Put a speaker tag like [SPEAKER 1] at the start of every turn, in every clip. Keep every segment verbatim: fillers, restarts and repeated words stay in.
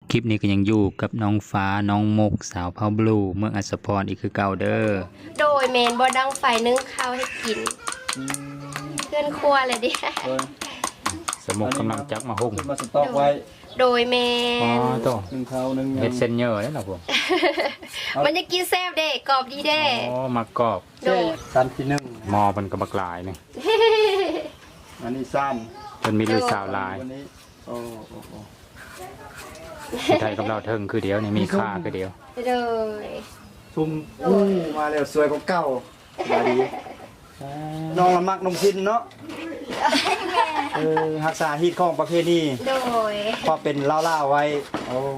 [SPEAKER 1] คลิปนี้ก็ยังอยู่กับน้องฟ้าน้องมกสาวพาวบลูเมืองอัศพรอีกคือเก่าเด้อ
[SPEAKER 2] โดยเมนบอดังไฟนึ่งข้าวให้กินเพื่อนครัวเลยดิ
[SPEAKER 1] สมุกกำลังจับมาหุ่ง
[SPEAKER 3] มาสต็อกไว้
[SPEAKER 2] โดยเมน
[SPEAKER 1] อ๋อโต
[SPEAKER 3] หนึ่งข้าวหนึ่ง
[SPEAKER 1] เฮ็ดเส้นเยอะเลยเหรอผม
[SPEAKER 2] มันจะกินแซ่บเด้กรอบดีเด้
[SPEAKER 1] อ๋อมากรอบ
[SPEAKER 2] โดย
[SPEAKER 3] สั้นที่หนึ่ง
[SPEAKER 1] มอมันก็บักหลายนี่
[SPEAKER 3] อันนี้สั้น
[SPEAKER 1] มันมีลูกสาวหลาย
[SPEAKER 3] วันนี้โอ้โอ้โอ้
[SPEAKER 1] ไทยกับเราเทิงคือเดียวนี่มีค่าคือเดียว
[SPEAKER 2] โดย
[SPEAKER 3] ทุ่มอู้มาแล้วสวยกว่าเก่ามาดีน้องละมักนมพินเนาะเออรักษาฮีตของประเพณี
[SPEAKER 2] โดย
[SPEAKER 3] พอเป็นเล่าๆไว้โอ้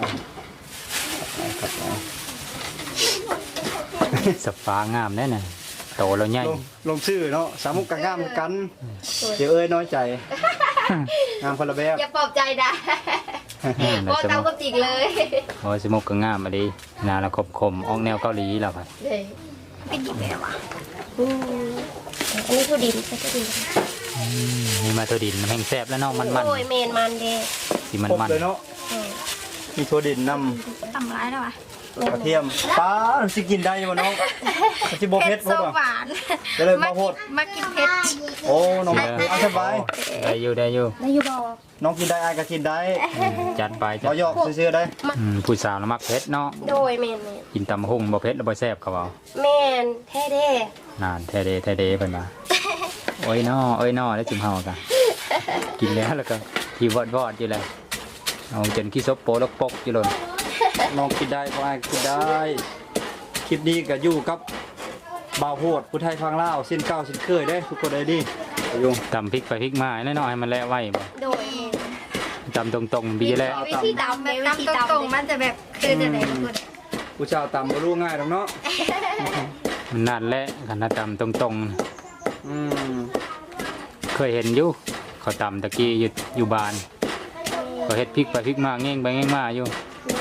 [SPEAKER 1] สฟ้างามแน่น่ะโตแล้วใหญ่
[SPEAKER 3] ลงชื่อเนาะสามุกกับงามกันเดี๋ยวเอ้ยน้อยใจงามคนละแบบ
[SPEAKER 2] อย่าปลอบใจนะโอ้เตาก็จิกเลย
[SPEAKER 1] โอ้สมุกก็งามมาดีนาละคมคมออกแนวเกาหลีแล้วครับ
[SPEAKER 2] ไม่กินแม่วะอันนี้คือดินใช่ไหมดิน
[SPEAKER 1] นี่มาตัวดินแห้งแซ่บแล้วเนาะมันมัน
[SPEAKER 2] โอ้ยเมนมันเด้
[SPEAKER 1] สีมันมัน
[SPEAKER 3] เลยเนาะมีถั่วดินน
[SPEAKER 2] ำตำร้ายแล้ววะ
[SPEAKER 3] กระเทียมปลาสิกินได้ยังน้องสิโบเพชร
[SPEAKER 2] หวาน
[SPEAKER 3] จะเลยมาโพด
[SPEAKER 2] มากินเพชร
[SPEAKER 3] โอ้น้องเอาสบาย
[SPEAKER 1] ได้อยู่ได้อยู่
[SPEAKER 2] ได้อยู่บอก
[SPEAKER 3] น้องกินได้อายก็กินได้
[SPEAKER 1] จัดไปจั
[SPEAKER 3] ดหยอกซื้อได้
[SPEAKER 1] ผู้สาวละมักเพชรเนาะ
[SPEAKER 2] โดยเมน
[SPEAKER 1] กินตำหุ่งบ่เพชรแล้วบ่แซ่บเขาเอา
[SPEAKER 2] เมนแท้เด้
[SPEAKER 1] นานแท้เด้แท้เด้เพิ่นมาโอ้ยน้อโอ้ยน้อแล้วจิ้มเฮากันกินแล้วแล้วก็ที่วอดๆอยู่เลยเอาจนขี้ซบโปลกปกอยู่หล่น
[SPEAKER 3] น้องกินได้ก็อายกินได้คลิปนี้ก็อยู่กับบ่าวโพดผู้ไทยฟังลาวสิ้นเก้าสิ้นเคยได้ทุกคนได้ดิ
[SPEAKER 1] ยุงตำพริกไปพริกมาแน่นอนให้มันแล่ไว้บ่
[SPEAKER 2] โดย
[SPEAKER 1] ตำตรงๆบีแล้ว
[SPEAKER 2] วิธีตำแบบตำตรงๆมันจะแบบคือจะไหนทุกคน
[SPEAKER 3] ผู้ชาวตำบ่รู้ง่ายหรอกเนาะ
[SPEAKER 1] มันนานแล้วขนาดตำตรง
[SPEAKER 3] ๆอืม
[SPEAKER 1] เคยเห็นอยู่เขาตำตะกี้อยู่อยู่บ้านเขาเฮ็ดพริกไปพริกมาเง่งไปเง่งมาอยู่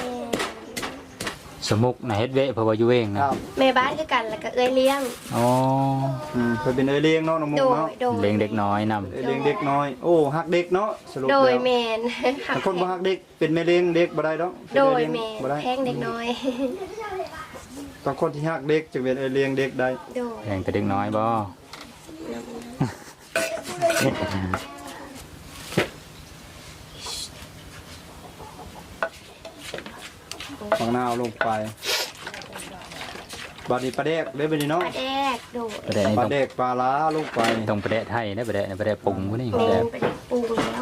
[SPEAKER 1] สมุกนะเฮ็ดเวะเพราะว่าอยู่เองนะ
[SPEAKER 2] แม่บ้านคือกันแล้วก็เอ้ยเลี้ยง
[SPEAKER 1] อ๋อ
[SPEAKER 3] อืมเคยเป็นเอ้ยเลี้ยงเนาะน้องมุกเนาะ
[SPEAKER 1] เลี้ยงเด็กน้อยนำ
[SPEAKER 3] เอ้ยเลี้ยงเด็กน้อยโอ้ฮักเด็กเนาะสรุปแล้ว
[SPEAKER 2] โดยแม่น
[SPEAKER 3] ถ้าคนบ่ฮักเด็กเป็นแม่เลี้ยงเด็กบ่ได้ดอก
[SPEAKER 2] โดยแม่แพงเด็กน้อย
[SPEAKER 3] ต้องคนที่ฮักเด็กจึงเป็นเอ้ยเลี้ยงเด็กได้
[SPEAKER 1] แพงแต่เด็กน้อยบ่
[SPEAKER 3] ฝังหน้าเอาลงไปบาดีปลาแดกได้ไปดีเนาะ
[SPEAKER 2] ปลาแดกโดด
[SPEAKER 3] ปลาแดกปลาล้าลงไป
[SPEAKER 1] ตรงปลาแดกไทยนะปลาแดกปลาแดกปรุงพวกนี้
[SPEAKER 2] ปลาแดกปรุงแล้ว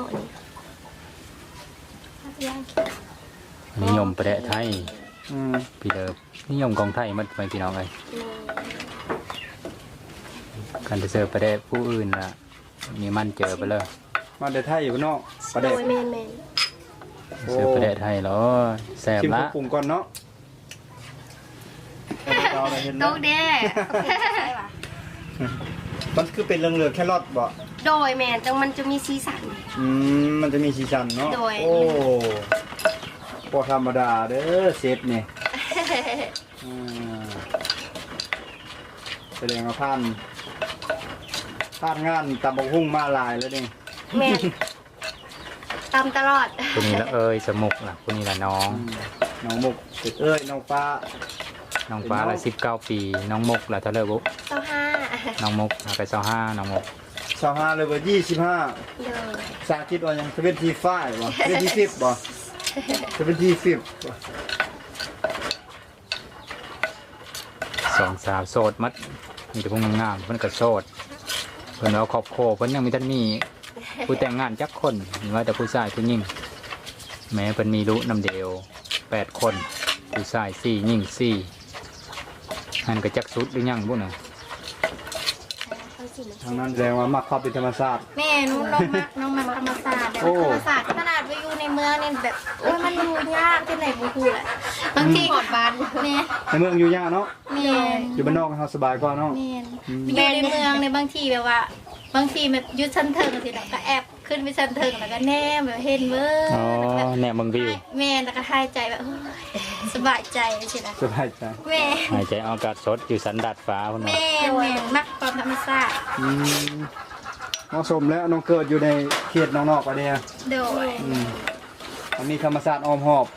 [SPEAKER 1] อันนี้นิยมปลาแดกไทยพี่เดิมนิยมกองไทยมันไปพี่น้องเลยการจะเสิร์ฟปลาแดกผู้อื่นล่ะนี่มันเจอไปเลย
[SPEAKER 3] มาเดไทยอยู่เนาะปลาแดก
[SPEAKER 1] เสิร์ฟปลาแดกไทยเหรอแซ่บละ
[SPEAKER 3] ปรุงก่อนเนาะ
[SPEAKER 2] โตเด้
[SPEAKER 3] มันคือเป็นเรื่องเรือแค่รอดบ่
[SPEAKER 2] โดยแมนจังมันจะมีสีสัน
[SPEAKER 3] อืมมันจะมีสีสันเนาะโอ้พอธรรมดาเด้อเซฟนี่แสดงว่าผ่านผ่านงานตำบักหุ่งมาลายแล้วนี่
[SPEAKER 2] แม่ตำตลอด
[SPEAKER 1] คนนี้ละเอ้ยสมุกล่ะคนนี้ละน้อง
[SPEAKER 3] น้องมุกเอ้ยน้องฟ้า
[SPEAKER 1] น้องฟ้าละสิบเก้าปีน้องมกละเท่าไรบุ๊
[SPEAKER 2] เจ้าห้า
[SPEAKER 1] น้องมกไปเจ้าห้าน้องมก
[SPEAKER 3] เจ้าห้าเลยว่ายี่สิบห้าสาธิตว่ายังเซเว่นทีไฟบ่เซเว่นทีฟิฟบ่เซเว่นทีฟิฟ
[SPEAKER 1] สองสาวโสดมัดมีแต่พวกงามเพิ่นก็โสดเพิ่นเอาครอบครัวเพิ่นยังมีท่านมีผู้แต่งงานจักคนมีว่าแต่ผู้ชายผู้หญิงแม้เพิ่นมีลูกนำเดียวแปดคนผู้ชายสี่หญิงสี่หันกระจักสุดหรือยังบุ้นน่ะ
[SPEAKER 3] ทางนั้นแสดงว่ามักความเป็นธรรมชาติ
[SPEAKER 2] แม่น้องน้องมักน้องมักธรรมชาติธรรมชาติขนาดไปอยู่ในเมืองนี่แบบโอ้ยมันอยู่ยากที่ไหนบุกูแหละบางทีหอดบ้านเนี่ย
[SPEAKER 3] ในเมืองอยู่ยากเนาะ
[SPEAKER 2] แม่
[SPEAKER 3] อยู่บ้านนอกเขาสบายกว่าเนาะ
[SPEAKER 2] แม่อยู่ในเมืองในบางทีแบบว่าบางทีแบบยุดชั้นเทิงสิแล้วก็แอบขึ้นไปชั้นเทิงแล้วก็แนมแบบเห็นเว้ย
[SPEAKER 1] อ๋อแนมบังวิว
[SPEAKER 2] แม่แล้วก็หายใจแบบสบายใจสินะ
[SPEAKER 3] สบายใจ
[SPEAKER 2] แม่
[SPEAKER 1] หายใจอากาศสดอยู่สันดาดฟ้าคน
[SPEAKER 2] นั้นแม่แม่มักความธรรมชาติ
[SPEAKER 3] เหมาะสมแล้วน้องเกิดอยู่ในเขตน้องนอกปะเนี่ย
[SPEAKER 2] โดย
[SPEAKER 3] มันมีธรรมศาสตร์อ้อมหอบ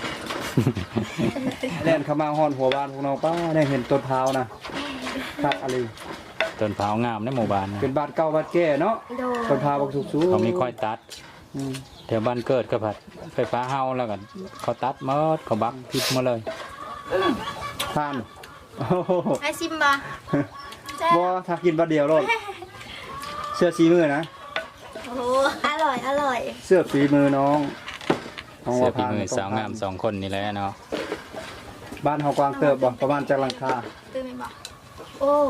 [SPEAKER 3] แล่นเข้ามาฮอนหัวบ้านพวกเราป้าได้เห็นต้นพร้าวนะครับอะไร
[SPEAKER 1] ต้นพร้าวงามในหมู่บ้านนะ
[SPEAKER 3] เป็นบ้านเก่าบ้านแก่เนาะ
[SPEAKER 2] โดย
[SPEAKER 3] ต้นพร้าวบักสุกสู
[SPEAKER 1] เขามีค่อยตัด
[SPEAKER 3] อืม
[SPEAKER 1] แถวบ้านเกิดก็ผัดไฟฟ้าเฮาแล้วก็เขาตัดหมดเขาบักพิษมาเลย
[SPEAKER 3] ทานโอ้โห
[SPEAKER 2] ไอซิมบ่แซ่บ
[SPEAKER 3] บ่ถ้ากินบัดเดียวโลดเสื้อสีมือนะ
[SPEAKER 2] โอ้อร่อยอร่อย
[SPEAKER 3] เสื้อฝีมือน้องน้อง
[SPEAKER 1] เสื้อ
[SPEAKER 3] ว่า
[SPEAKER 1] ฝี
[SPEAKER 3] พาน
[SPEAKER 1] มือสาวงามสองคนนี่แหละเนาะ
[SPEAKER 3] บ้านเฮากวางเติบบ่ประมาณจักหลังคา
[SPEAKER 2] ตื่นไหมบ่โอ้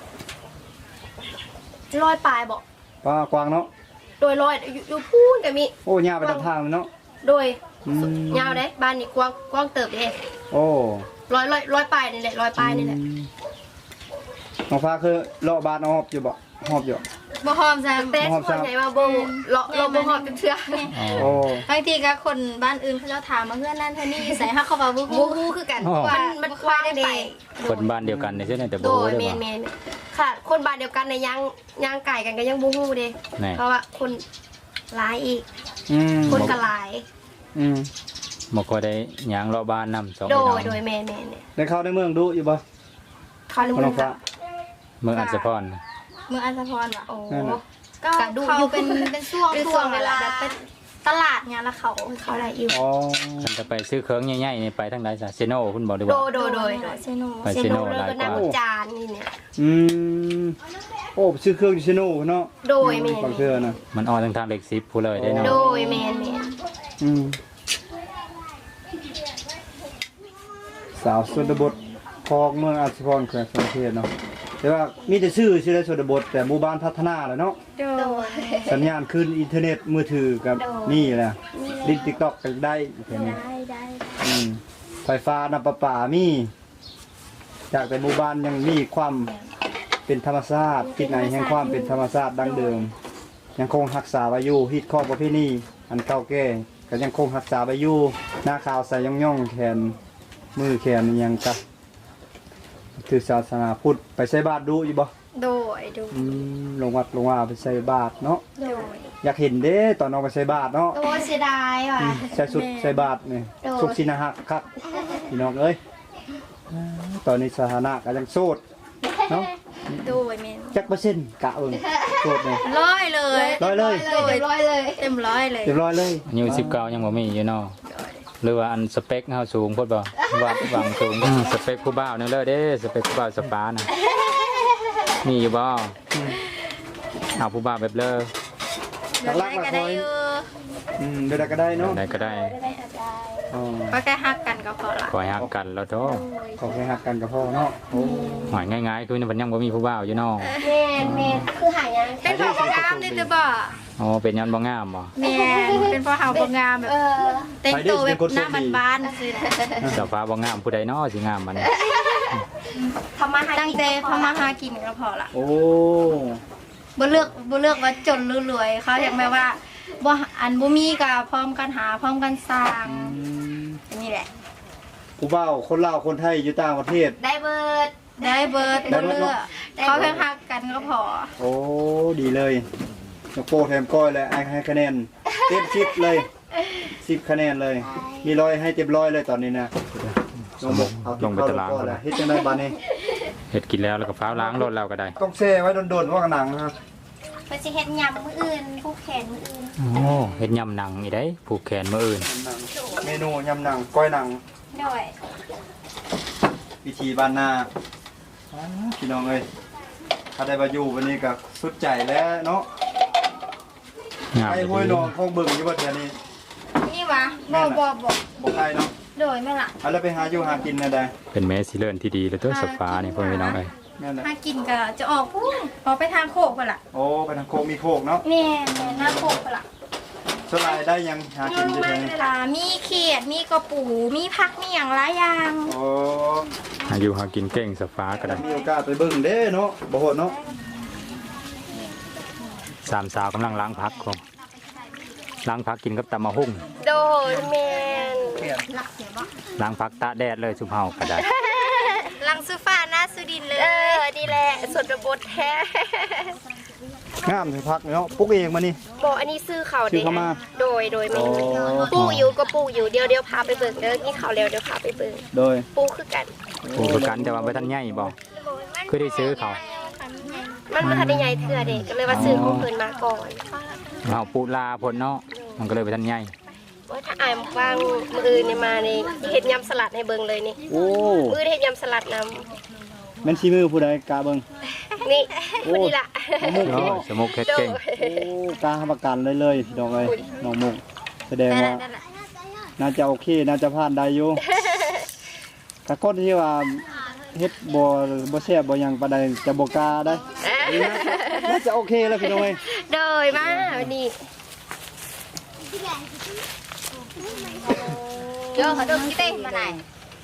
[SPEAKER 2] ลอยปลายบ่
[SPEAKER 3] ป้ากวางเนาะ
[SPEAKER 2] โดยลอยอยู่อยู่พูนก็มี
[SPEAKER 3] โอ้ยาวไปตามทางเลยเนาะ
[SPEAKER 2] โดย
[SPEAKER 3] อืม
[SPEAKER 2] ยาวเด้บ้านนี่กว้างกว้างเติบเด้
[SPEAKER 3] โอ้
[SPEAKER 2] ลอยลอยลอยปลายนี่แหละลอยปลายนี่แหละ
[SPEAKER 3] อืมน้องฟ้าคือเลาะบ้านเอาหอบอยู่บ่หอบอยู่
[SPEAKER 2] บ่หอมซะแต่ส่วนใหญ่มาบ่เลาะเราบ่หอมเป็นเทื่อ
[SPEAKER 1] อ๋อ
[SPEAKER 3] โอ้
[SPEAKER 4] บางทีก็คนบ้านอื่นเขาจะถามมาเพื่อนนั่นเท่านี้ใส่ฮักเขาบอกบุ
[SPEAKER 2] บู
[SPEAKER 4] ก
[SPEAKER 2] ฮูคือกันมันมันกว้างเด้
[SPEAKER 1] คนบ้านเดียวกันเนี่ยใช่ไหมแต่
[SPEAKER 2] โด
[SPEAKER 1] โบ้
[SPEAKER 2] ย
[SPEAKER 1] ได้
[SPEAKER 2] แม่
[SPEAKER 1] ป่ะ
[SPEAKER 2] นแม่นค่ะ คนบ้านเดียวกันในยยังยังไก่กันก็ยังบูฮูเด้
[SPEAKER 1] แน่
[SPEAKER 2] เพราะว่าคนหลายอีก
[SPEAKER 3] อืม
[SPEAKER 2] คนก็หลาย
[SPEAKER 3] อืม
[SPEAKER 1] บ่ค่อยได้ยางเลาะบ้านนำสอง
[SPEAKER 2] โด
[SPEAKER 1] พี่น้
[SPEAKER 2] ย
[SPEAKER 1] อง
[SPEAKER 2] โดยแม่นแม่นเนี่ย
[SPEAKER 3] ได้เข้าในเมืองดูอยู่บ่
[SPEAKER 2] เขารู้
[SPEAKER 3] น้องฟ้า
[SPEAKER 1] เมืองอัศพร
[SPEAKER 4] เมืองอัศพรว่ะ
[SPEAKER 2] โอ้
[SPEAKER 3] นั่นน่ะ
[SPEAKER 4] ก็
[SPEAKER 2] กระดูก
[SPEAKER 4] เขาเป็นเป็นช่วง
[SPEAKER 2] เป็นช่
[SPEAKER 4] ช่ว
[SPEAKER 2] ว
[SPEAKER 4] ง
[SPEAKER 2] ง
[SPEAKER 4] เว
[SPEAKER 2] เว
[SPEAKER 4] ลา
[SPEAKER 2] ลา
[SPEAKER 4] แบบเป็นตลาดเนี่ยแล้วเขา
[SPEAKER 2] เขาได้อยู่
[SPEAKER 3] อ๋อ
[SPEAKER 1] ฉันจะไปซื้อเครื่องใหญ่ๆนี่ไปทางใดซะเซโน่คุณบอกดี
[SPEAKER 2] โด
[SPEAKER 1] ว่าย
[SPEAKER 2] โดยโดย
[SPEAKER 4] เซโน
[SPEAKER 1] ไป
[SPEAKER 2] เซ
[SPEAKER 1] เซโน่
[SPEAKER 2] โนเลย
[SPEAKER 1] หลาย
[SPEAKER 2] ก็
[SPEAKER 1] ก
[SPEAKER 2] นั่
[SPEAKER 1] ว่า
[SPEAKER 2] งจานนี่เนี่ย
[SPEAKER 3] อืมโอ้ชื่อเครื่องดิชโน่เนาะ
[SPEAKER 2] โดยแม่น
[SPEAKER 3] ฟังเชื่อนะ
[SPEAKER 1] มันออกทางทางเหล็กซิปผู้เลยได้เนาะ
[SPEAKER 2] โดยแม่นแม่น
[SPEAKER 3] อืมสาวชนบทคลองเมืองอัศพรแขวงสมเทศเนาะแต่ว่ามีแต่ชื่อชื่อในชนบทแต่หมู่บ้านพัฒนาแล้วเนาะ
[SPEAKER 4] โด
[SPEAKER 2] โด
[SPEAKER 4] ย
[SPEAKER 2] ย
[SPEAKER 3] สัญญาณขึ้นอินเทอร์เน็ตมือถือกับนี่แหละลิงติ๊กต็อกก็ได้แค่นี้
[SPEAKER 4] ได้ได้
[SPEAKER 3] อืมไฟฟ้าน้ำประปามี จากแต่หมู่บ้านยังมีความเป็นธรรมชาติที่ไหนแห่งความเป็นธรรมชาติดั้งเดิม ยังคงรักษาไว้อยู่ฮิตข้อประเพณีอันเก่าแก่ก็ยังคงรักษาไว้อยู่หน้าขาวใส่ย่องย่องๆแขนมือแขนอิหยังกะถือศาสนาพุทธไปใส่บาตรดูอยู่บ่
[SPEAKER 4] โดยโดย
[SPEAKER 3] อืมลงวัดลงว่าไปใส่บาตรเนาะ
[SPEAKER 4] โดย
[SPEAKER 3] อยากเห็นเด้ตอนน้องไปใส่บาตรเนาะ
[SPEAKER 2] โอ้เสียดายว่ะ
[SPEAKER 3] อืมใส่สุดใส่บาตรนี่
[SPEAKER 2] โดย
[SPEAKER 3] สุกสินะฮักคักพี่น้องเอ้ยอ่าตอนนี้สถานะก็ยังโสดเนาะ
[SPEAKER 4] โดยเมน
[SPEAKER 3] จักเปอร์เซ็นต์กะเอิงโสดเนี่ย
[SPEAKER 4] ร้อยเลย
[SPEAKER 3] ร้อยเลย
[SPEAKER 2] เรียบร้อยเลย
[SPEAKER 4] เต็มร้อยเลย
[SPEAKER 3] เรียบร้อยเลย
[SPEAKER 1] อายุสิบเก้ายังบ่มีอยู่เนาะหรือว่าอันสเปคเฮาสูงพุ่นบ่วัดหวังสูงสเปคผู้บ่าวนึงเลยเด้สเปคผู้บ่าวสปาน่ะมีอยู่บ่เอาผู้บ่าวแบบเลอ
[SPEAKER 3] หลักหลักหลัก
[SPEAKER 4] ก็
[SPEAKER 3] ร้
[SPEAKER 4] ได้
[SPEAKER 3] อย
[SPEAKER 4] อยู่
[SPEAKER 3] อืมเดี๋ยวก็ได้เนาะ
[SPEAKER 1] ได้ก็ได้
[SPEAKER 3] อ๋อ
[SPEAKER 4] ก็แค่ฮักกันก็พอละ
[SPEAKER 1] คอยฮักกันแล้วโต
[SPEAKER 3] ขอแค่หักกันกับพ่อเนาะโอ้
[SPEAKER 1] หอยง่ายๆคือมันยังบ่มีผู้บ่าวอยู่เนาะ
[SPEAKER 2] แม่นแม่นคือหายัง
[SPEAKER 4] เป็นพอพงามนี่จะบอก
[SPEAKER 1] อ๋อเป็นยันบ่งามบ่
[SPEAKER 4] แม่เป็นพอหาพงามแบบ
[SPEAKER 2] เออ
[SPEAKER 4] แต่งตัวแบบหน้าบ้านๆสิ
[SPEAKER 1] เจ้าฟ้าบ่งามผู้ใดเนาะสิงามมัน
[SPEAKER 2] ทำมาหา
[SPEAKER 4] ตั้งใจพอมาหากินก็พอละ
[SPEAKER 3] โอ้
[SPEAKER 4] บ่เลือกบ่เลือกว่าจนหรือรวยเขาอยากแบบว่าบ่อันบ่มีก็พร้อมกันหาพร้อมกันสร้าง
[SPEAKER 3] อืม
[SPEAKER 4] นี่แหละ
[SPEAKER 3] ผู้บ่าวคนลาวคนไทยอยู่ต่างประเทศ
[SPEAKER 2] ได้เบิร์ด
[SPEAKER 4] ได้เบิร์ด
[SPEAKER 3] ได้
[SPEAKER 4] บ่
[SPEAKER 3] เบิด
[SPEAKER 4] เลื
[SPEAKER 3] เน
[SPEAKER 4] อ
[SPEAKER 3] อะ
[SPEAKER 4] กเขาแค่ฮักกันก็พอ
[SPEAKER 3] โอ้ดีเลยนกโป้แถมก้อยเลยไอ้ให้คะแนนเต็มสิบเลยสิบคะแนนเลย มีร้อยให้เต็มร้อยเลยตอนนี้นะลงบกเอา
[SPEAKER 1] ลงไปตาราง
[SPEAKER 3] ก่
[SPEAKER 1] ก็
[SPEAKER 3] อน
[SPEAKER 1] ได้
[SPEAKER 3] ละเฮ็ดจังได๋บัดนี้
[SPEAKER 1] เฮ็ดกินแล้วแล้วก็ฟ้าวล้างรถแล้วก็ได้
[SPEAKER 3] ต้องแช่ไว้โดนๆว่าหนังนะครับ
[SPEAKER 2] ไปสิเฮ็ดยำมื้ออื่นผู้แขนมื้ออื่น
[SPEAKER 1] โอ้เฮ็ดยำหนังอีได้ผูกแขนมื้ออื่น
[SPEAKER 3] หนังเมนูยำหนังก้อยหนัง
[SPEAKER 2] ด้วย
[SPEAKER 3] วิธีบ้านนาอ้าพี่น้องเอ้ยถ้าได้มาอยู่วันนี้ก็สุดใจแล้วเนาะ
[SPEAKER 1] งาม
[SPEAKER 3] ไอ้ห้วยนองคงเบิ่งอยู่ว่าแถวนี้
[SPEAKER 4] นี่วะบ่บ่บ่
[SPEAKER 3] บ่ใครเนาะ
[SPEAKER 4] โดยแม่ล่ะ
[SPEAKER 3] เอาแล้วไปหาอยู่หากินนะได้
[SPEAKER 1] เป็นแม่สิเลินที่ดีเลยตัวสฟ้านี่พ่อพี่น้องเอ้ย
[SPEAKER 3] แม่นแหละ
[SPEAKER 4] หากินก็จะออกพุ่งออกไปทางโคกพุ่นล่ะ
[SPEAKER 3] โอ้ไปทางโคกมีโคกเนาะ
[SPEAKER 4] แม่แม่หน้าโคกพุ่นล่ะ
[SPEAKER 3] สลายได้ยังหากินอยู่แถวนี้
[SPEAKER 4] เวลามีเขียดมีกระปูมีผักมีหยังหลายอย่าง
[SPEAKER 3] โอ้
[SPEAKER 1] หาอยู่หากินเก่งสฟ้าก็ได้
[SPEAKER 3] มีโอกาสไปเบิ่งเด้เนาะบ่โหดเนาะ
[SPEAKER 1] สามสาวกำลังล้างพักครับล้างพักกินกับตำมะฮุ่ง
[SPEAKER 2] โดยแม่น
[SPEAKER 1] ล้างพักตากแดดเลยสุเฮาก็ได้
[SPEAKER 4] ลังสุฟ้าหน้าสุดินเลย
[SPEAKER 2] เออดีแหละส่วนบทแท้
[SPEAKER 3] งามเลยพักเนาะปลูกเองมานี่
[SPEAKER 5] บอกอันนี้ซื้อเขา
[SPEAKER 3] ซื้อเข้ามา
[SPEAKER 5] โดยโดยไม่
[SPEAKER 3] อ๋อ
[SPEAKER 5] ปลูกอยู่ก็ปลูกอยู่เดี๋ยวเดี๋ยวพาไปเบิ่งเด้อนี่เขาแล้วเดี๋ยวพาไปเบิ่ง
[SPEAKER 3] โดย
[SPEAKER 5] ปลูกคือกัน
[SPEAKER 1] ปลูกกันแต่ว่าบ่ทันใหญ่บ่คือได้ซื้อเขา
[SPEAKER 5] มันบ่ทันได้ใหญ่เทื่อเด็กก็เลยว่าซื้อของเพิ่นมาก่อน
[SPEAKER 1] เอาปูลาพ่นเนาะมันก็เลยบ่ทันใหญ่
[SPEAKER 5] ว่าถ้าอายมฟังมื้ออื่นนี่มานี่เฮ็ดยำสลัดให้เบิ่งเลยนี่
[SPEAKER 3] โอ้
[SPEAKER 5] มื้อเฮ็ดยำสลัดนำ
[SPEAKER 3] แม่นชีมือผู้ใดกาเบิ่ง
[SPEAKER 5] นี่
[SPEAKER 3] โอ้
[SPEAKER 5] คนนี้ล่ะ
[SPEAKER 3] น้องมุก
[SPEAKER 1] เนาะสมุกเฮ็ดเก่ง
[SPEAKER 3] โอ้กล้าทำประกันเลยเลยพี่น้องเอ้ยน้องมุกแสดงว่าน่าจะโอเคน่าจะผ่านได้อยู่กะคนที่ว่าเฮ็ดบ่บ่แซ่บบ่หยังปานใดจะบ่กล้าได้น่าจะโอเคแล้วพี่น้องเอ้ย
[SPEAKER 5] โดยมาวันนี้
[SPEAKER 2] เดี๋ยวเขาดูกี่เต้มาไหน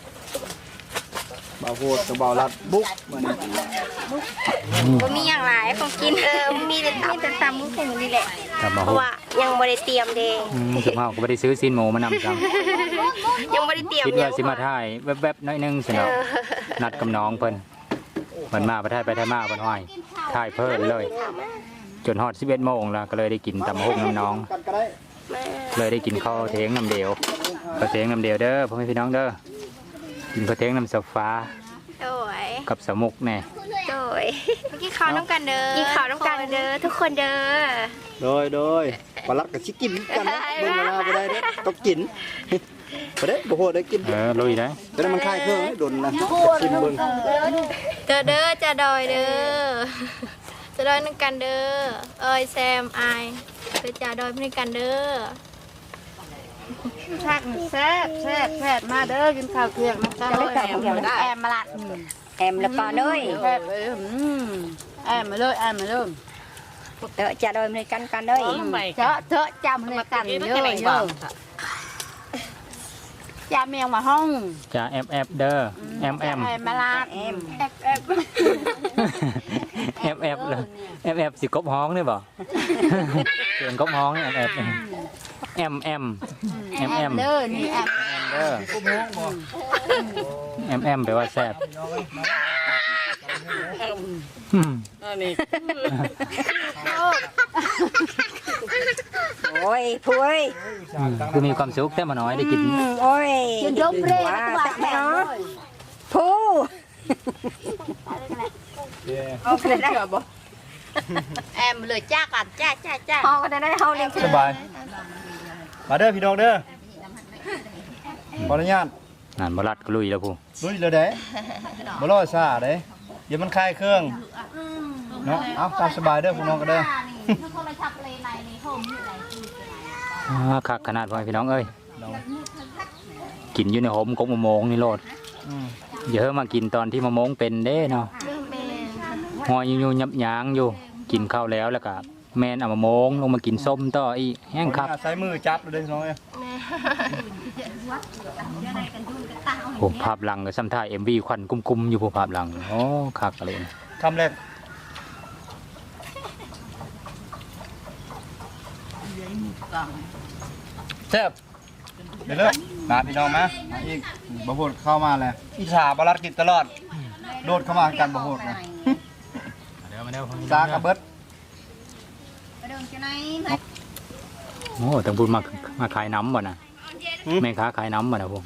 [SPEAKER 3] บ่าวโพดกับบ่าวรัดบุกมื้อนี้
[SPEAKER 2] บ่มีอย่างหลายของกิน
[SPEAKER 5] เออมีแต่
[SPEAKER 2] มีแต่ตำมุกหุงนี่แหละ
[SPEAKER 1] กลับมา
[SPEAKER 5] เพ
[SPEAKER 1] ฮู้
[SPEAKER 5] ราะว่ายังบ่ได้เตรียมเด้
[SPEAKER 1] อืมสุภาพก็บ่ได้ซื้อซีนหมูมานำจัง
[SPEAKER 5] ยังบ่ได้เตรียม
[SPEAKER 1] คิด
[SPEAKER 5] ยั
[SPEAKER 1] ว่าง สิมาถ่ายแวบๆน้อยหนึงสิเนาะนัดกับน้องเพิ่นเพิ่นมาประเทศไปไทยมาเพิ่นห้อยถ่ายเพิ่นเลย จนฮอดสิบเอ็ดโมงแล้วก็เลยได้กินตำบักหุ่งน้ำน้อง
[SPEAKER 3] กันก็ได้
[SPEAKER 1] เลยได้กินข้าวเทงน้ำเดียวข้าวเทงน้ำเดียวเด้อพ่อแม่พี่น้องเด้อกินข้าวเทงน้ำสฟ้า
[SPEAKER 5] โดย
[SPEAKER 1] กับสมุกแน่
[SPEAKER 5] โดย
[SPEAKER 2] เมื่อกี้ข้าวน้ำกันเด้อ
[SPEAKER 5] กินข้าวน้ำกันเด้อทุกคนเด้อ
[SPEAKER 3] โดยโดยบ่รัดก็สิกินกันนะเบิ่งเวลาบ่ได้เด้อต้องกินบ่ได้บ่โหดได้กิน
[SPEAKER 1] เออลุยได้
[SPEAKER 3] แต่มันคลายเครื่องให้ดนนะชิมเบิ่ง
[SPEAKER 2] เด้อเด้อจะดอยเด้อจะดอยน้ำกันเด้อเอ้ยแซมอายไปจ่าดอยน้ำกันเด้อ
[SPEAKER 6] แซ่บแซ่บแซ่บแซ่บมาเด้อกินข้าวเที่ยงนะจ๊ะแอมได้แอมมาละแอมแล้วก็เด้ยแซ่บเลยอืมแอมมาเลยแอมมาเลยเตอะจะโดยมันกันกันเด้ยเตอะเตอะจำเลยกันเยอะเยอะจำเมียงมาห้อง
[SPEAKER 1] จะแอมแอมเด้อแอมแอม
[SPEAKER 6] แอมมาละแอมแอมแอม
[SPEAKER 1] แอมแอมเลยแอมแอมสิกบฮ้องนี่บ่เสียงกบฮ้องแอมแอมแอมแอมแอมแอม
[SPEAKER 6] เด้อนี่แอม
[SPEAKER 1] เด้อแอมแอมแปลว่าแซ่บอืม
[SPEAKER 6] โอ้ยพุ้ย
[SPEAKER 1] คือมีความสุขแต่มาน้อยได้กิน
[SPEAKER 6] โอ้ยจนยกเร่ว่าแม่เนาะผู้เอาไปได้บ่
[SPEAKER 2] แอมเลยจ้ากันจ้าจ้าจ้า
[SPEAKER 6] เอาไปได้เฮาเลี้ยง
[SPEAKER 3] สบายมาเด้อพี่น้องเด้อขออนุญาต
[SPEAKER 1] งานบรัดก็ลุยแล้วผู้
[SPEAKER 3] ลุยเลยเด้บ่รอซ่าเด้เดี๋ยวมันคลายเครื่องเนาะเอาตามสบายเด้อพี่น้องก็เด้อ
[SPEAKER 1] อ่าคักขนาดพ่อพี่น้องเอ้ยกินอยู่ในหมกบมะมงนี่โลด
[SPEAKER 3] อืม
[SPEAKER 1] เยอะมากินตอนที่มะมงเป็นเด้เนาะหอยอยู่ๆยับยางอยู่กินข้าวแล้วแล้วก็แม่นเอามะมงลงมากินส้มต่ออีกแห้งคัก
[SPEAKER 3] ใช้มือจับเลยเด้อพี่น้องเอ้ย
[SPEAKER 1] โอ้ภาพหลังก็ซ้ำท่าเอ็มวีควันกุ้มๆอยู่ผู้ภาพหลังโอ้คักอะไรนะ
[SPEAKER 3] คำแรกแซ่บเดี๋ยวเลิกมาพี่น้องมามาอีกบ่โหดเข้ามาแล้วอีสาบรัดกินตลอดโดดเข้ามากันบ่โหดนะ
[SPEAKER 1] เดี๋ยวมาเดี๋ยว
[SPEAKER 3] ซากระเบิด
[SPEAKER 1] โอ้ต้องพูดมามาขายน้ำบ่นะแม่ค้าขายน้ำบ่นะพวก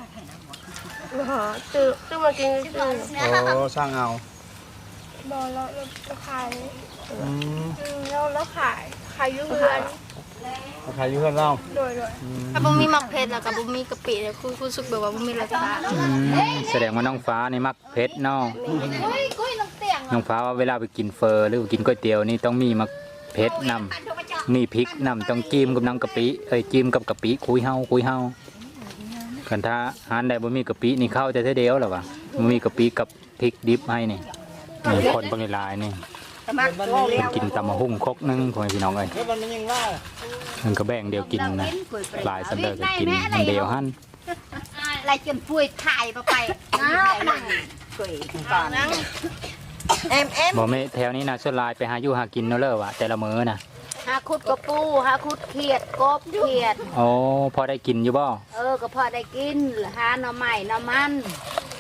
[SPEAKER 5] ตื้อตื้อมากินตื้อ
[SPEAKER 3] โอ้สร้างเอา
[SPEAKER 5] บอแล้วเราขาย
[SPEAKER 3] อืม
[SPEAKER 5] แล้วแล้วขายขายยุ่งเรือน
[SPEAKER 3] ขายอยู่เพื่อนเรา
[SPEAKER 5] โดยโดย
[SPEAKER 2] ถ้าบ่มีหมักเผ็ดแล้วก็บ่มีกะปิแล้วคือรู้สึกแบบว่าบ่มีรสชาติ
[SPEAKER 1] อืมแสดงว่าน้องฟ้านี่มักเผ็ดเนาะ
[SPEAKER 2] เฮ้ยกุ้ยน้ำเตียง
[SPEAKER 1] น้องฟ้าว่าเวลาไปกินเฟอร์หรือว่ากินก๋วยเตี๋ยวนี่ต้องมีมักเผ็ดนำมีพริกนำต้องจิ้มกับน้ำกะปิเอ้ยจิ้มกับกะปิคุยเฮาคุยเฮาคันถ้าหานใดบ่มีกะปินี่เข้าแต่เท่าเดียวหรอวะบ่มีกะปิกับพริกดิบให้นี่นี่คนบางหลายๆนี่
[SPEAKER 6] มักโอ้เลี้ยง
[SPEAKER 1] กินตำมะฮุ่งครกหนึงพ่อแม่พี่น้องเอ้ย
[SPEAKER 3] เฮ้ยมันยังว่า
[SPEAKER 1] มันก็แบ่งเดียวกินนะหลายสันเดอร์ก็กินอันเดียวหั่น
[SPEAKER 6] อะไรจนป่วยถ่ายไปอ้าวป่วยก่อน
[SPEAKER 2] แอมแอม
[SPEAKER 1] บ่แม่แถวนี้นะส่วนหลายไปหาอยู่หากินเนาะเด้อว่ะแต่ละมื้อน่ะ
[SPEAKER 6] หาคุดกระปูหาคุดเขียดกบเขียด
[SPEAKER 1] โอ้พอได้กินอยู่บ่
[SPEAKER 6] เออก็พอได้กินหาหน่อไม้หน่อมัน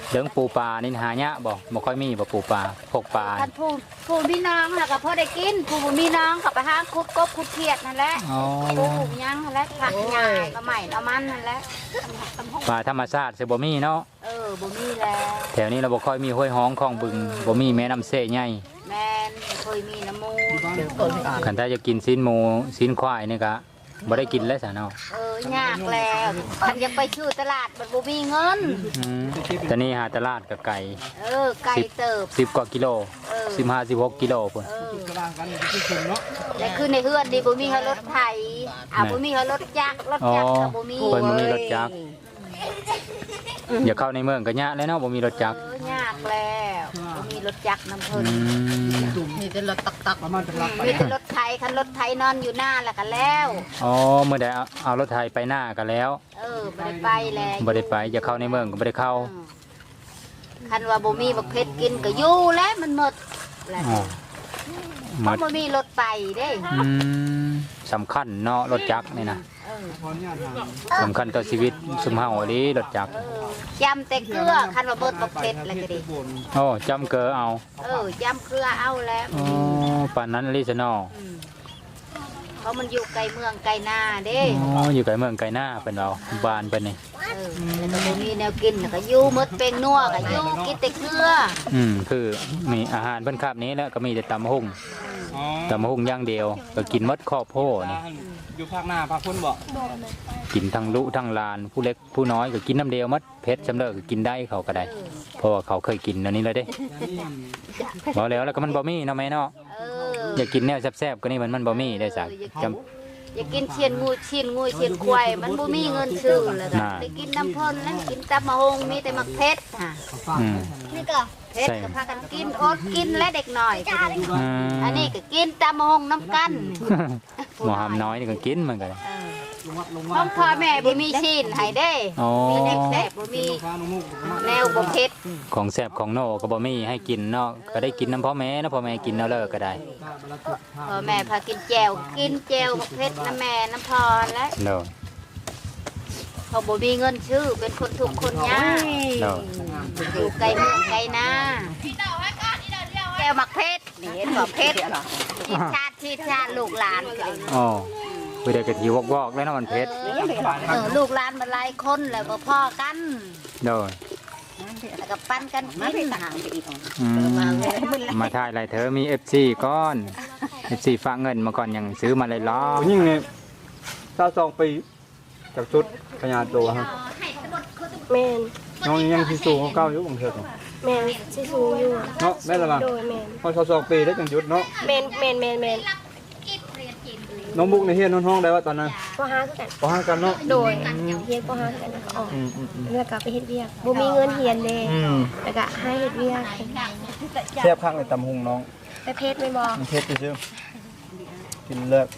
[SPEAKER 1] เรื่องปูปลานี่หายะบ่บ่ค่อยมีบ่ปูปลาพวกปลา
[SPEAKER 6] ท่านผู้ผู้มีน้องแล้วก็พอได้กินผู้บ่มีน้องก็ไปหาคุดกบคุดเขียดนั่นแหละ
[SPEAKER 1] อ๋อ
[SPEAKER 6] ผู้ปลูกหยังนั่นแหละผักหญ้าก็ใหม่ละมันนั่นแหละ
[SPEAKER 1] ปลาธรรมชาติสิบ่มีเนาะ
[SPEAKER 6] เออบ่มีแล้ว
[SPEAKER 1] แถวนี้เราบ่ค่อยมีห้วยฮ้องคลองบึงบ่มีแม่น้ำเซ่ใหญ่
[SPEAKER 6] แม่นเคยมีน้ำมู
[SPEAKER 1] คันถ้าจะกินซีนหมูซีนควายนี่ก็บ่ได้กินแล้วซะเนาะ
[SPEAKER 6] เออยากแล้วคันยังไปชื่อตลาดมันบ่มีเงิน
[SPEAKER 1] อืมแต่นี่หาตลาดกับไก่
[SPEAKER 6] เออไก่เติบ
[SPEAKER 1] สิบกว่ากิโล
[SPEAKER 6] เออ
[SPEAKER 1] สิบห้าสิบหกกิโลพุ่น
[SPEAKER 6] เออแต่คือในเฮือนนี่บ่มีให้รถไถอ่ะบ่มีให้รถจักรรถจักรก็บ่มี
[SPEAKER 1] เพิ่นบ่มีรถจักรอย่าเข้าในเมืองก็ยากแล้วเนาะบ่มีรถจักร
[SPEAKER 6] เออยากแล้วบ่มีรถจักรนำเพิ่น
[SPEAKER 1] อืม
[SPEAKER 2] มีแต่รถตักตัก
[SPEAKER 3] ประมาณจะรักไป
[SPEAKER 6] มีแต่รถไถคันรถไถนอนอยู่หน้าแล้วก็แล้ว
[SPEAKER 1] อ๋อเมื่อใดเอาเอารถไถไปหน้าก็แล้ว
[SPEAKER 6] เออบ่ได้ไปแล้ว
[SPEAKER 1] บ่ได้ไปอย่าเข้าในเมืองก็บ่ได้เข้า
[SPEAKER 6] อืมคันว่าบ่มีบักเพชรกินก็อยู่แล้วมันหมดแหละ
[SPEAKER 1] อ๋อ
[SPEAKER 6] เพ
[SPEAKER 1] มา
[SPEAKER 6] ราะบ่มีรถไปเด้
[SPEAKER 1] อืมสำคัญเนาะรถจักรนี่นะ
[SPEAKER 6] เออ
[SPEAKER 1] สำคัญต่อชีวิตสุมเฮาอีหลีรถจักร
[SPEAKER 6] เออจำแต่เกลือคันว่าเบิดบักเพชรแล้วก็ดิ
[SPEAKER 1] โอ้จำเกอเอา
[SPEAKER 6] เออจำเกลือเอาแล้ว
[SPEAKER 1] อ๋อปานนั้นลิซะเนาะ
[SPEAKER 6] อืมเพราะมันอยู่ไกลเมืองไกลนาเด้
[SPEAKER 1] อ๋ออยู่ไกลเมืองไกลหน้าเพิ่นเอาบ้านเพิ่นนี่
[SPEAKER 6] เออแล้วก็บ่มีแนวกินแล้วก็อยู่หมดเป็นนัวก็อยู่กินแต่เกลือ
[SPEAKER 1] อืมคือมีอาหารเพิ่นคาบนี้แล้วก็มีแต่ตำหุ่ง
[SPEAKER 3] อ๋อ
[SPEAKER 1] ตำหุ่งอย่างเดียวก็กินหมดครอบโพนี่
[SPEAKER 3] อยู่ภาคหน้าภาคพ้นบ่
[SPEAKER 1] กินทั้งลุทั้งลานผู้เล็กผู้น้อยก็กินน้ำเดียวหมดเผ็ดสำเร็จก็กินได้เขาก็ได้ เพราะว่าเขาเคยกินอันนี้เลยเด้บ่แล้วแล้วก็มันบ่มีเนาะแม่เนาะ
[SPEAKER 6] เออ
[SPEAKER 1] อยากกินแนวแซ่บๆก็นี่มันมันบ่มีได้สักจำ
[SPEAKER 6] อย่ากินเชียนงูเชียนงูเชียนควายมันบ่มีเงินซื้อแล้วก็
[SPEAKER 1] น่ะ
[SPEAKER 6] ได้กินน้ำพ่นแล้วกินตำมะฮงมีแต่มักเพชรค่ะ
[SPEAKER 1] อืม
[SPEAKER 6] นี่ก็เพชร
[SPEAKER 1] ใช่
[SPEAKER 6] ก็พากันกินอดกินและเด็กหน่อยก็ได้
[SPEAKER 1] อืม
[SPEAKER 6] อันนี้ก็กินตำมะฮงน้ำกัน
[SPEAKER 1] หมอหำน้อยนี่ก็กินเหมือนกัน
[SPEAKER 6] เออของพ่อแม่บ่มีชิ้นให้เด้
[SPEAKER 1] อ๋อ
[SPEAKER 6] มีเด็กแซ่บบ่มีแนวบ่เพชร
[SPEAKER 1] ของแซ่บของโนก็บ่มีให้กินเนาะก็ได้กินน้ำพ่อแม่นะพ่อแม่กินเอาเลิกก็ได้
[SPEAKER 6] พ่อแม่พากินแจวกินแจวบ่เพชรน้ำแม่น้ำพรและ
[SPEAKER 1] เนาะ
[SPEAKER 6] เขาบ่มีเงินซื้อเป็นคนทุกข์คนยาก
[SPEAKER 1] เนาะ
[SPEAKER 6] อยู่ไกลเมืองไกลนาแก้วมักเพชรนี่เห็นบ่เพชรชีชาติชีชาติลูกหลานก็เลย
[SPEAKER 1] อ๋อไปเด็กกะทิวอกๆแล้วเนาะมันเผ็ด
[SPEAKER 6] เออลูกหลานมันหลายคนแล้วบ่พ่อกัน
[SPEAKER 1] เนาะ
[SPEAKER 6] แล้วก็ปั้นกันกินห่างไปอีก
[SPEAKER 1] อืมมาถ่ายอะไรเธอมี เอฟ ซี ก้อน เอฟ ซี ฝากเงินมาก่อนยังซื้อมาเลยล้อ
[SPEAKER 3] ผู้หญิงนี่ถ้าสองปีจากชุดพญาโตฮะ
[SPEAKER 5] แมน
[SPEAKER 3] น้องยังสิสูงเก้าอยู่บางเทื่อ
[SPEAKER 5] แมนสิสูงอยู่
[SPEAKER 3] เนาะแม่นละบ่
[SPEAKER 5] โดยแมน
[SPEAKER 3] พอเขาสองปีได้จังหยุดเนาะ
[SPEAKER 5] แมนแมนแมนแมน
[SPEAKER 3] น้องบุ๊กในเฮียนห้องได้ว่าตอนนั้น
[SPEAKER 5] ก็หาคือกัน
[SPEAKER 3] บ่ห้ากันเนาะ
[SPEAKER 5] โดยเฮียนก็หาคือกันแล้วก็ออก
[SPEAKER 3] อืมอืมอืม
[SPEAKER 5] แล้วก็ไปเฮ็ดเวียกบ่มีเงินเฮียนเด้
[SPEAKER 3] อืม
[SPEAKER 5] แล้วก็ให้เฮ็ดเวียก
[SPEAKER 3] แซ่บข้างเลยตำหุงน้อง
[SPEAKER 5] ไปเพชรแม่นบ่
[SPEAKER 3] มันเผ็ดซื่อกินเลิก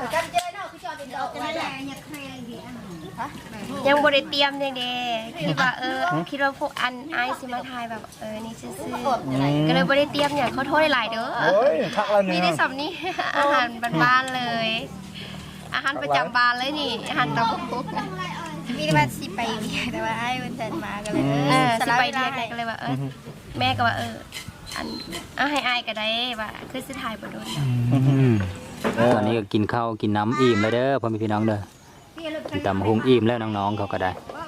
[SPEAKER 5] ยังบ่ได้เตรียมจังเด้คิดว่าเออคิดว่าพวกอันอายสิมาถ่ายแบบเออนี่ซื่อๆก็เลยบ่ได้เตรียมหยังขอโทษหลายๆเด้อ
[SPEAKER 3] โอ้ยทักแล้ว
[SPEAKER 5] มี
[SPEAKER 3] เนี่ย
[SPEAKER 5] ได้สำนี้ อาหารบ้านๆเลย อาหารประจำบ้านเลยนี่อาหารตะบุก
[SPEAKER 2] มีว่าสิไปเรียนแต่ว่าไอ้วันเดินมาก็เลย
[SPEAKER 5] เออสิไปเรียนก็เลยว่าเออแม่ก็ว่าเอออันเอาให้อายก็ได้ว่าคือสิถ่ายบ่โดน
[SPEAKER 1] ตอนนี้ก็กินข้าวกินน้ำอิ่มแล้วเด้อพ่อแม่พี่น้องเด้อกินตำหุงอิ่มแล้วน้องๆเขาก็ได้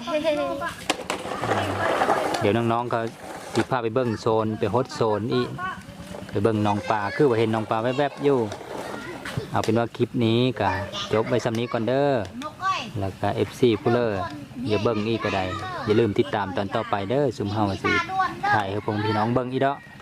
[SPEAKER 1] เดี๋ยวน้องๆเขาสิพาไปเบิ่งโซนไปฮดโซนอีกไปเบิ่งน้องปลาคือว่าเห็นน้องปลาแวบๆอยู่เอาเป็นว่าคลิปนี้ก็จบไว้สำนี้ก่อนเด้อแล้วก็ เอฟ ซี ผู้เลออย่าเบิ่งอีกก็ได้อย่าลืมติดตามตอนต่อไปเด้อซุมเฮาสิถ่ายให้พวกพี่น้องเบิ่งอีกเด้อ